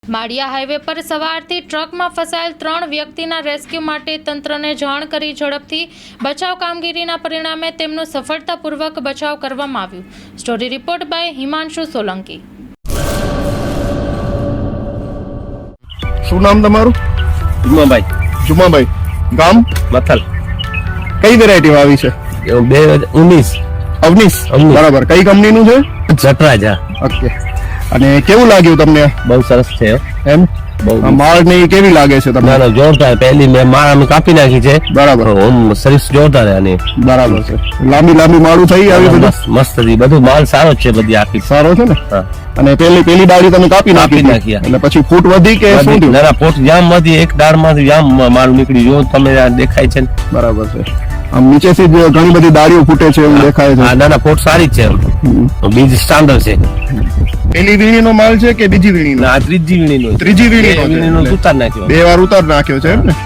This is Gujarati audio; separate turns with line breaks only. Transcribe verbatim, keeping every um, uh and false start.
માળિયા હાઈવે પર સવારથી ટ્રકમાં ફસાયેલ ત્રણ વ્યક્તિના રેસ્ક્યુ માટે તંત્રને જાણ કરી ઝડપથી બચાવ કામગીરીના પરિણામે તેમનો સફળતાપૂર્વક બચાવ કરવામાં આવ્યો. Story report by Himanshu Solanki.
શું નામ તમારું?
જુમાભાઈ.
જુમાભાઈ. ગામ?
મથલ.
કઈ વેરાયટી આવી છે?
બે હજાર ઉન્નીસ.
અવનીશ.
અવનીશ.
બરાબર. કઈ કંપનીનું છે?
જટરાજા.
ઓકે. અને કેવું લાગ્યું તમને?
બહુ સરસ છે
એમ
બહુ
માળ ને ઈ કેવી લાગે છે તમને?
ના ના જોરદાર. પહેલી મેં માળ અમે કાપી નાખી છે.
બરાબર.
ઓમ સર્વિસ જોરદાર છે આની.
બરાબર છે. લાંબી લાંબી માળું થઈ આવી બધું?
મસ્ત મસ્ત હતી. બધું માલ સારો જ છે બધી આખી.
સારો છે ને?
હા.
અને પેલી પેલી ડાળી તમે કાપી નાખી
કાપી નાખી.
એટલે પછી ફૂટ વધી કે શું થયું?
ના ના પોટ જામ માંથી એક દાળ માંથી જામ માલ નીકળી જો તમે આ દેખાય છે ને.
બરાબર છે. આમ નીચેથી જ ઘણી બધી ડાળીઓ ફૂટે છે એવું દેખાય છે.
હા ના ના પોટ સારી જ છે. બીજ સ્ટાન્ડર્ડ છે.
પેલી વીણીનો માલ છે કે બીજી વીણીનો?
ના આ ત્રીજી વીણીનો.
ત્રીજી વીણીનો છે.
વીણીનો ઉતાર નાખ્યો.
બે વાર ઉતાર નાખ્યો છે એમ ને?